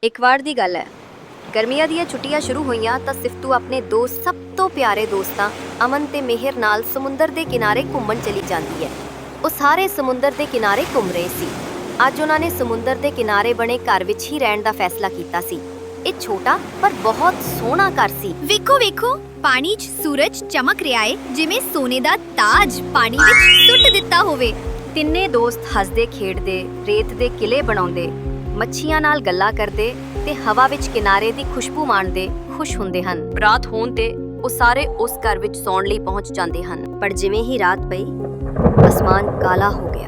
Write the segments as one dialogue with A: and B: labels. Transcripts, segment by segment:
A: ਇੱਕ ਵਾਰ ਦੀ ਗੱਲ ਹੈ, ਗਰਮੀਆਂ ਦੀਆਂ ਛੁੱਟੀਆਂ ਸ਼ੁਰੂ ਹੋਈਆਂ ਤਾਂ ਸਿਫਤੂ ਆਪਣੇ ਦੋ ਸਭ ਤੋਂ ਪਿਆਰੇ ਦੋਸਤਾਂ ਅਮਨ ਤੇ ਮਿਹਰ ਨਾਲ ਸਮੁੰਦਰ ਦੇ ਕਿਨਾਰੇ ਘੁੰਮਣ ਚਲੀ ਜਾਂਦੀ ਹੈ। ਉਹ ਸਾਰੇ ਸਮੁੰਦਰ ਦੇ ਕਿਨਾਰੇ ਘੁੰਮ ਰਹੇ ਸੀ। ਅੱਜ ਉਹਨਾਂ ਨੇ ਸਮੁੰਦਰ ਦੇ ਕਿਨਾਰੇ ਬਣੇ ਘਰ ਵਿੱਚ ਹੀ ਰਹਿਣ ਦਾ ਫੈਸਲਾ ਕੀਤਾ ਸੀ। ਇਹ ਛੋਟਾ ਪਰ ਬਹੁਤ ਸੋਹਣਾ ਘਰ ਸੀ।
B: ਵੇਖੋ ਵੇਖੋ, ਪਾਣੀ 'ਚ ਸੂਰਜ ਚਮਕ ਰਿਹਾ ਏ, ਜਿਵੇਂ ਸੋਨੇ ਦਾ ਤਾਜ ਪਾਣੀ ਵਿੱਚ ਸੁੱਟ ਦਿੱਤਾ ਹੋਵੇ।
A: ਤਿੰਨੇ ਦੋਸਤ ਹੱਸਦੇ ਖੇਡਦੇ, ਰੇਤ ਦੇ ਕਿਲੇ ਬਣਾਉਂਦੇ, ਮੱਛੀਆਂ ਨਾਲ ਗੱਲਾਂ ਕਰਦੇ ਤੇ ਹਵਾ ਵਿੱਚ ਕਿਨਾਰੇ ਦੀ ਖੁਸ਼ਬੂ ਮਾਣਦੇ ਖੁਸ਼ ਹੁੰਦੇ ਹਨ। ਰਾਤ ਹੋਣ ਤੇ ਉਹ ਸਾਰੇ ਉਸ ਘਰ ਵਿੱਚ ਸੌਣ ਲਈ ਪਹੁੰਚ ਜਾਂਦੇ ਹਨ। ਪਰ ਜਿਵੇਂ ਹੀ ਰਾਤ ਪਈ, ਅਸਮਾਨ ਕਾਲਾ ਹੋ ਗਿਆ,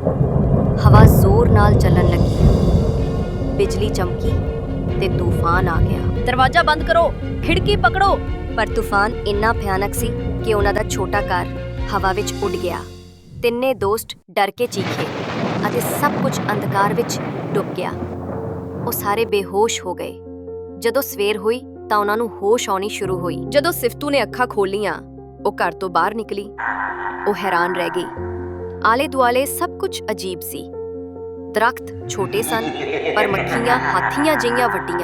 A: ਹਵਾ ਜ਼ੋਰ ਨਾਲ ਚੱਲਣ ਲੱਗੀ, ਬਿਜਲੀ ਚਮਕੀ ਤੇ ਤੂਫਾਨ ਆ ਗਿਆ।
B: ਦਰਵਾਜ਼ਾ ਬੰਦ ਕਰੋ, ਖਿੜਕੀ ਪਕੜੋ।
A: ਪਰ ਤੂਫਾਨ ਇੰਨਾ ਭਿਆਨਕ ਸੀ ਕਿ ਉਹਨਾਂ ਦਾ ਛੋਟਾ ਘਰ ਹਵਾ ਵਿੱਚ ਉੱਡ ਗਿਆ। ਤਿੰਨੇ ਦੋਸਤ ਡਰ ਕੇ ਚੀਖੇ ਅਤੇ ਸਭ ਕੁਝ ਅੰਧਕਾਰ ਵਿੱਚ ਡੁੱਬ ਗਿਆ। ਉਹ ਸਾਰੇ ਬੇਹੋਸ਼ ਹੋ ਗਏ। ਜਦੋਂ ਸਵੇਰ ਹੋਈ ਤਾਂ ਉਹਨਾਂ ਨੂੰ ਹੋਸ਼ ਆਉਣੀ ਸ਼ੁਰੂ ਹੋਈ। ਜਦੋਂ ਸਿਫਤੂ ਨੇ ਅੱਖਾਂ ਖੋਲੀਆਂ, ਉਹ ਘਰ ਤੋਂ ਬਾਹਰ ਨਿਕਲੀ। ਉਹ ਹੈਰਾਨ ਰਹਿ ਗਈ। ਆਲੇ ਦੁਆਲੇ ਸਭ ਕੁਝ ਅਜੀਬ ਸੀ। ਦਰਖਤ ਛੋਟੇ ਸਨ ਪਰ ਮੱਖੀਆਂ ਹਾਥੀਆਂ ਜਿਹੀਆਂ ਵੱਡੀਆਂ।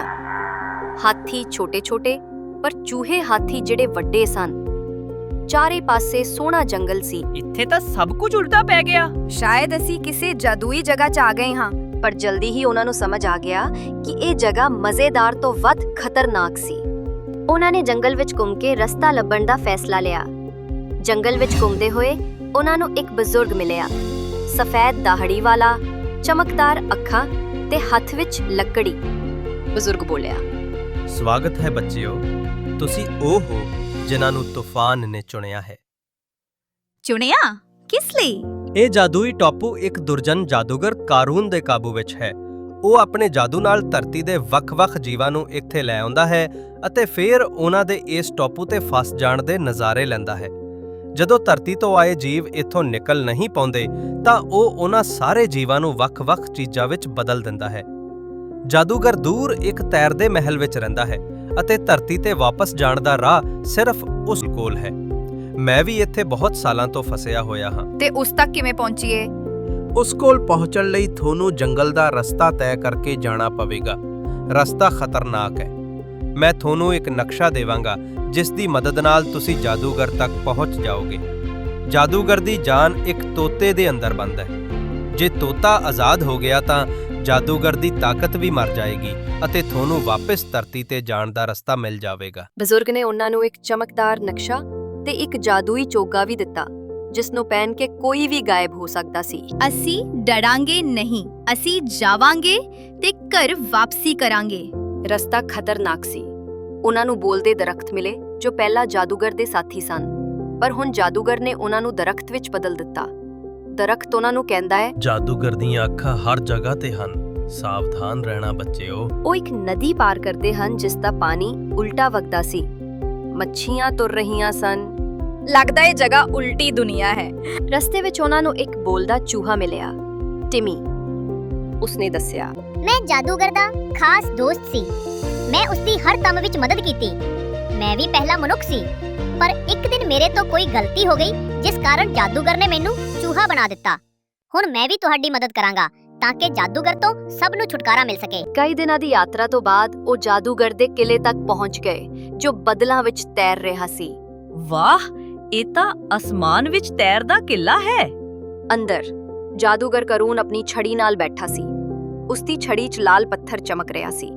A: ਹਾਥੀ ਛੋਟੇ-ਛੋਟੇ ਪਰ ਚੂਹੇ ਹਾਥੀ ਜਿਹੜੇ ਵੱਡੇ ਸਨ। ਚਾਰੇ ਪਾਸੇ ਸੋਹਣਾ ਜੰਗਲ ਸੀ।
C: ਇੱਥੇ ਤਾਂ ਸਭ ਕੁਝ ਉਲਟਾ ਪੈ ਗਿਆ।
B: ਸ਼ਾਇਦ ਅਸੀਂ ਕਿਸੇ ਜਾਦੂਈ ਜਗ੍ਹਾ 'ਚ ਆ ਗਏ ਹਾਂ।
A: ਪਰ ਜਲਦੀ ਹੀ ਉਹਨਾਂ ਨੂੰ ਸਮਝ ਆ ਗਿਆ ਕਿ ਇਹ ਜਗ੍ਹਾ ਮਜ਼ੇਦਾਰ ਤੋਂ ਵੱਧ ਖਤਰਨਾਕ ਸੀ। ਉਹਨਾਂ ਨੇ ਜੰਗਲ ਵਿੱਚ ਘੁੰਮ ਕੇ ਰਸਤਾ ਲੱਭਣ ਦਾ ਫੈਸਲਾ ਲਿਆ। ਜੰਗਲ ਵਿੱਚ ਘੁੰਮਦੇ ਹੋਏ ਉਹਨਾਂ ਨੂੰ ਇੱਕ ਬਜ਼ੁਰਗ ਮਿਲਿਆ, ਸਫੈਦ ਦਾਹੜੀ ਵਾਲਾ, ਚਮਕਦਾਰ ਅੱਖਾਂ ਤੇ ਹੱਥ ਵਿੱਚ ਲੱਕੜੀ। ਬਜ਼ੁਰਗ ਬੋਲਿਆ,
D: ਸਵਾਗਤ ਹੈ ਬੱਚਿਓ, ਤੁਸੀਂ ਉਹ ਹੋ ਜਿਨ੍ਹਾਂ ਨੂੰ ਤੂਫਾਨ ਨੇ ਚੁਣਿਆ ਹੈ।
B: ਚੁਣਿਆ? ਕਿਸ ਲਈ?
D: ਇਹ ਜਾਦੂਈ ਟਾਪੂ ਇੱਕ ਦੁਰਜਨ ਜਾਦੂਗਰ ਕਾਰੂਨ ਦੇ ਕਾਬੂ ਵਿੱਚ ਹੈ। ਉਹ ਆਪਣੇ ਜਾਦੂ ਨਾਲ ਧਰਤੀ ਦੇ ਵੱਖ-ਵੱਖ ਜੀਵਾਂ ਨੂੰ ਇੱਥੇ ਲੈ ਆਉਂਦਾ ਹੈ ਅਤੇ ਫਿਰ ਉਹਨਾਂ ਦੇ ਇਸ ਟਾਪੂ ਤੇ ਫਸ ਜਾਣ ਦੇ ਨਜ਼ਾਰੇ ਲੈਂਦਾ ਹੈ। ਜਦੋਂ ਧਰਤੀ ਤੋਂ ਆਏ ਜੀਵ ਇੱਥੋਂ ਨਿਕਲ ਨਹੀਂ ਪਾਉਂਦੇ ਤਾਂ ਉਹ ਉਹਨਾਂ ਸਾਰੇ ਜੀਵਾਂ ਨੂੰ ਵੱਖ-ਵੱਖ ਚੀਜ਼ਾਂ ਵਿੱਚ ਬਦਲ ਦਿੰਦਾ ਹੈ। ਜਾਦੂਗਰ ਦੂਰ ਇੱਕ ਤੈਰਦੇ ਮਹਿਲ ਵਿੱਚ ਰਹਿੰਦਾ ਹੈ ਅਤੇ ਧਰਤੀ ਤੇ ਵਾਪਸ ਜਾਣ ਦਾ ਰਾਹ ਸਿਰਫ ਉਸ ਕੋਲ ਹੈ। ਮੈਂ ਵੀ ਇੱਥੇ ਬਹੁਤ ਸਾਲਾਂ ਤੋਂ ਫਸਿਆ ਹੋਇਆ ਹਾਂ।
B: ਤੇ ਉਸ ਤੱਕ ਕਿਵੇਂ ਪਹੁੰਚੀਏ?
E: ਉਸ ਕੋਲ ਪਹੁੰਚਣ ਲਈ ਤੁਹਾਨੂੰ ਜੰਗਲ ਦਾ ਰਸਤਾ ਤੈਅ ਕਰਕੇ ਜਾਣਾ ਪਵੇਗਾ। ਰਸਤਾ ਖਤਰਨਾਕ ਹੈ। ਮੈਂ ਤੁਹਾਨੂੰ ਇੱਕ ਨਕਸ਼ਾ ਦੇਵਾਂਗਾ ਜਿਸ ਦੀ ਮਦਦ ਨਾਲ ਤੁਸੀਂ ਜਾਦੂਗਰ ਤੱਕ ਪਹੁੰਚ ਜਾਓਗੇ। ਜਾਦੂਗਰ ਦੀ ਜਾਨ ਇੱਕ ਤੋਤੇ ਦੇ ਅੰਦਰ ਬੰਦ ਹੈ। ਜੇ ਤੋਤਾ ਆਜ਼ਾਦ ਹੋ ਗਿਆ ਤਾਂ ਜਾਦੂਗਰ ਦੀ ਤਾਕਤ ਵੀ ਮਰ ਜਾਏਗੀ ਅਤੇ ਤੁਹਾਨੂੰ ਵਾਪਸ ਧਰਤੀ ਤੇ ਜਾਣ ਦਾ ਰਸਤਾ ਮਿਲ ਜਾਵੇਗਾ।
A: ਬਜ਼ੁਰਗ ਨੇ ਉਹਨਾਂ ਨੂੰ ਇੱਕ ਚਮਕਦਾਰ ਨਕਸ਼ਾ ਤੇ ਇੱਕ ਜਾਦੂਈ ਚੋਗਾ ਵੀ ਦਿੱਤਾ, ਜਿਸ ਨੂੰ ਪਹਿਨ ਕੇ ਕੋਈ ਵੀ ਗਾਇਬ ਹੋ ਸਕਦਾ ਸੀ।
B: ਅਸੀਂ ਡਰਾਂਗੇ ਨਹੀਂ, ਅਸੀਂ ਜਾਵਾਂਗੇ ਤੇ ਘਰ ਵਾਪਸੀ ਕਰਾਂਗੇ।
A: ਰਸਤਾ ਖਤਰਨਾਕ ਸੀ। ਉਹਨਾਂ ਨੂੰ ਬੋਲਦੇ ਦਰਖਤ ਮਿਲੇ ਜੋ ਪਹਿਲਾਂ ਜਾਦੂਗਰ ਦੇ ਸਾਥੀ ਸਨ, ਪਰ ਹੁਣ ਜਾਦੂਗਰ ਨੇ ਉਹਨਾਂ ਨੂੰ ਦਰਖਤ ਵਿੱਚ ਬਦਲ ਦਿੱਤਾ। ਦਰਖਤ ਉਹਨਾਂ ਨੂੰ ਕਹਿੰਦਾ ਹੈ,
D: ਜਾਦੂਗਰ ਦੀਆਂ ਅੱਖਾਂ ਹਰ ਜਗ੍ਹਾ ਤੇ ਹਨ, ਸਾਵਧਾਨ ਰਹਿਣਾ ਬੱਚਿਓ।
A: ਉਹ ਇੱਕ ਨਦੀ ਪਾਰ ਕਰਦੇ ਹਨ ਜਿਸ ਦਾ ਪਾਣੀ ਉਲਟਾ ਵਗਦਾ ਸੀ। ਮੱਛੀਆਂ ਤੁਰ ਰਹੀਆਂ ਸਨ।
B: ਲੱਗਦਾ ਇਹ ਜਗ੍ਹਾ ਉਲਟੀ ਦੁਨੀਆ ਹੈ।
A: ਰਸਤੇ ਵਿੱਚ ਉਹਨਾਂ ਨੂੰ ਇੱਕ ਬੋਲਦਾ ਚੂਹਾ ਮਿਲਿਆ, ਟਿਮੀ। ਉਸਨੇ ਦੱਸਿਆ,
F: ਮੈਂ ਜਾਦੂਗਰ ਦਾ ਖਾਸ ਦੋਸਤ ਸੀ। ਮੈਂ ਉਸਦੀ ਹਰ ਕੰਮ ਵਿੱਚ ਮਦਦ ਕੀਤੀ। ਮੈਂ ਵੀ ਪਹਿਲਾ ਮਨੁੱਖ ਸੀ, ਪਰ ਇੱਕ ਦਿਨ ਮੇਰੇ ਤੋਂ ਕੋਈ ਗਲਤੀ ਹੋ ਗਈ ਜਿਸ ਕਾਰਨ ਜਾਦੂਗਰ ਨੇ ਮੈਨੂੰ ਚੂਹਾ ਬਣਾ ਦਿੱਤਾ। ਹੁਣ ਮੈਂ ਵੀ ਤੁਹਾਡੀ ਮਦਦ ਕਰਾਂਗਾ ਤਾਂ ਕਿ ਜਾਦੂਗਰ ਤੋਂ ਸਭ ਨੂੰ ਛੁਟਕਾਰਾ ਮਿਲ ਸਕੇ।
A: ਕਈ ਦਿਨਾਂ ਦੀ ਯਾਤਰਾ ਤੋਂ ਬਾਅਦ ਉਹ ਜਾਦੂਗਰ ਦੇ ਕਿਲੇ ਤੱਕ ਪਹੁੰਚ ਗਏ ਜੋ ਬੱਦਲਾਂ ਵਿੱਚ ਤੈਰ ਰਿਹਾ ਸੀ।
C: ਵਾਹ, ਇਹ ਤਾਂ ਅਸਮਾਨ ਵਿੱਚ ਤੈਰਦਾ ਕਿਲਾ ਹੈ।
A: ਅੰਦਰ ਜਾਦੂਗਰ ਕਰੂਨ ਆਪਣੀ ਛੜੀ ਨਾਲ ਬੈਠਾ ਸੀ। ਉਸਦੀ ਛੜੀ 'ਚ ਲਾਲ ਪੱਥਰ ਚਮਕ ਰਿਹਾ ਸੀ।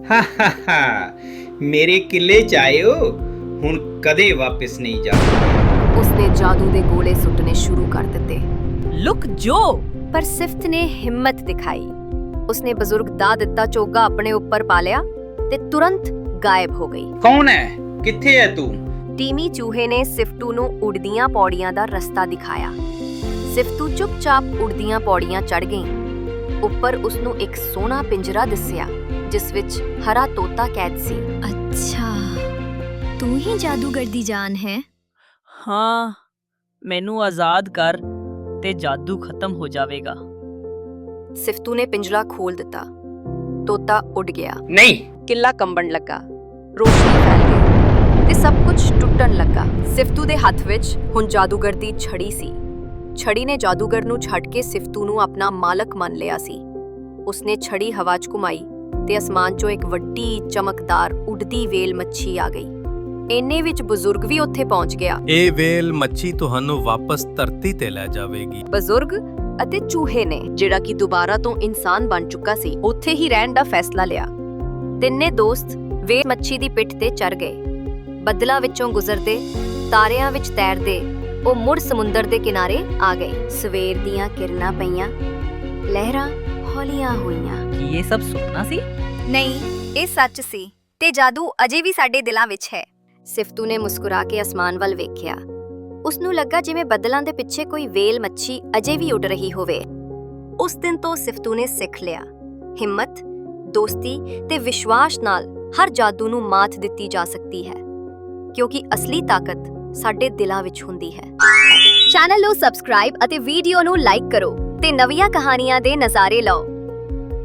G: ਮੇਰੇ ਕਿਲੇ 'ਚ ਆਇਓ, ਹੁਣ ਕਦੇ ਵਾਪਸ ਨਹੀਂ ਜਾਓਗੇ।
A: ਉਸਨੇ ਜਾਦੂ ਦੇ ਗੋਲੇ ਸੁੱਟਣੇ ਸ਼ੁਰੂ ਕਰ ਦਿੱਤੇ।
C: ਲੁਕ ਜੋ।
A: ਪਰ ਸਿਫਤ ਨੇ ਹਿੰਮਤ ਦਿਖਾਈ। ਉਸਨੇ ਬਜ਼ੁਰਗ ਦਾ ਦਿੱਤਾ ਚੋਗਾ ਆਪਣੇ ਉੱਪਰ ਪਾ ਲਿਆ ਤੇ ਤੁਰੰਤ ਗਾਇਬ ਹੋ ਗਈ।
G: ਕੌਣ ਹੈ? ਕਿੱਥੇ ਹੈ ਤੂੰ?
A: ਟੀਮੀ ਚੂਹੇ ਨੇ ਸਿਫਤੂ ਨੂੰ ਉੜਦੀਆਂ ਪੌੜੀਆਂ ਦਾ ਰਸਤਾ ਦਿਖਾਇਆ। ਸਿਫਤੂ ਚੁੱਪਚਾਪ ਉੜਦੀਆਂ ਪੌੜੀਆਂ ਚੜ੍ਹ ਗਈ। ਉੱਪਰ ਉਸਨੂੰ ਇੱਕ ਸੋਹਣਾ ਪਿੰਜਰਾ ਦਿਸਿਆ ਜਿਸ ਵਿੱਚ ਹਰਾ ਤੋਤਾ ਕੈਦ ਸੀ।
B: ਅੱਛਾ, ਤੂੰ ਹੀ ਜਾਦੂਗਰ ਦੀ ਜਾਨ ਹੈ।
C: ਹਾਂ, ਮੈਨੂੰ ਆਜ਼ਾਦ ਕਰ ਤੇ ਜਾਦੂ ਖਤਮ ਹੋ ਜਾਵੇਗਾ।
A: ਸਿਫਤੂ ਨੇ ਪਿੰਜਰਾ ਖੋਲ ਦਿੱਤਾ। ਤੋਤਾ ਉੱਡ ਗਿਆ।
G: ਨਹੀਂ।
A: ਕਿਲਾ ਕੰਬਣ ਲੱਗਾ, ਰੋਸ਼ਨੀ ਫੈਲ ਗਈ ਤੇ ਸਭ ਕੁਝ ਟੁੱਟਣ ਲੱਗਾ। ਸਿਫਤੂ ਦੇ ਹੱਥ ਵਿੱਚ ਹੁਣ ਜਾਦੂਗਰ ਦੀ ਛੜੀ ਸੀ। ਛੜੀ ਨੇ ਜਾਦੂਗਰ ਨੂੰ ਛੱਡ ਕੇ ਸਿਫਤੂ ਨੂੰ ਆਪਣਾ ਮਾਲਕ ਮੰਨ ਲਿਆ ਸੀ। ਉਸਨੇ ਛੜੀ ਹਵਾ 'ਚ ਘੁਮਾਈ ਤੇ ਅਸਮਾਨ 'ਚੋਂ ਇੱਕ ਵੱਡੀ ਚਮਕਦਾਰ ਉੱਡਦੀ ਵੇਲ ਮੱਛੀ ਆ ਗਈ। ਇੰਨੇ ਵਿੱਚ ਬਜ਼ੁਰਗ ਵੀ ਉੱਥੇ ਪਹੁੰਚ ਗਿਆ।
E: ਇਹ ਵੇਲ ਮੱਛੀ ਤੁਹਾਨੂੰ ਵਾਪਸ ਧਰਤੀ ਤੇ ਲੈ ਜਾਵੇਗੀ।
A: ਬਜ਼ੁਰਗ ਅਤੇ ਚੂਹੇ ਨੇ, ਜਿਹੜਾ ਕਿ ਦੁਬਾਰਾ ਤੋਂ ਇਨਸਾਨ ਬਣ ਚੁੱਕਾ ਸੀ, ਉੱਥੇ ਹੀ ਰਹਿਣ ਦਾ ਫੈਸਲਾ ਲਿਆ। ਤਿੰਨੇ ਦੋਸਤ ਵੇਲ ਮੱਛੀ ਦੀ ਪਿੱਠ ਤੇ ਚੜ ਗਏ। ਬੱਦਲਾਂ ਵਿੱਚੋਂ ਗੁਜ਼ਰਦੇ, ਤਾਰਿਆਂ ਵਿੱਚ ਤੈਰਦੇ ਉਹ ਮੁੜ ਸਮੁੰਦਰ ਦੇ ਕਿਨਾਰੇ ਆ ਗਏ। ਸਵੇਰ ਦੀਆਂ ਕਿਰਨਾਂ ਪਈਆਂ, ਲਹਿਰਾਂ ਹੌਲੀਆਂ ਹੋਈਆਂ।
C: ਕੀ ਇਹ ਸਭ ਸੁਪਨਾ ਸੀ?
B: ਨਹੀਂ, ਇਹ ਸੱਚ ਸੀ ਤੇ ਜਾਦੂ ਅਜੇ ਵੀ ਸਾਡੇ ਦਿਲਾਂ ਵਿੱਚ ਹੈ।
A: ਸਿਫਤੂ ਨੇ ਮੁਸਕਰਾ ਕੇ ਅਸਮਾਨ ਵੱਲ ਵੇਖਿਆ। ਉਸਨੂੰ ਲੱਗਾ ਜਿਵੇਂ ਬੱਦਲਾਂ ਦੇ ਪਿੱਛੇ ਕੋਈ ਵੇਲ ਮੱਛੀ ਅਜੇ ਵੀ ਉੱਡ ਰਹੀ ਹੋਵੇ। ਉਸ ਦਿਨ ਤੋਂ ਸਿਫਤੂ ਨੇ ਸਿੱਖ ਲਿਆ, ਹਿੰਮਤ, ਦੋਸਤੀ ਤੇ ਵਿਸ਼ਵਾਸ ਨਾਲ ਹਰ ਜਾਦੂ ਨੂੰ ਮਾਤ ਦਿੱਤੀ ਜਾ ਸਕਦੀ ਹੈ, ਕਿਉਂਕਿ ਅਸਲੀ ਤਾਕਤ ਸਾਡੇ ਦਿਲਾਂ ਵਿੱਚ ਹੁੰਦੀ ਹੈ।
B: ਚੈਨਲ ਨੂੰ ਸਬਸਕ੍ਰਾਈਬ ਅਤੇ ਵੀਡੀਓ ਨੂੰ ਲਾਈਕ ਕਰੋ ਤੇ ਨਵੀਆਂ ਕਹਾਣੀਆਂ ਦੇ ਨਜ਼ਾਰੇ ਲਓ।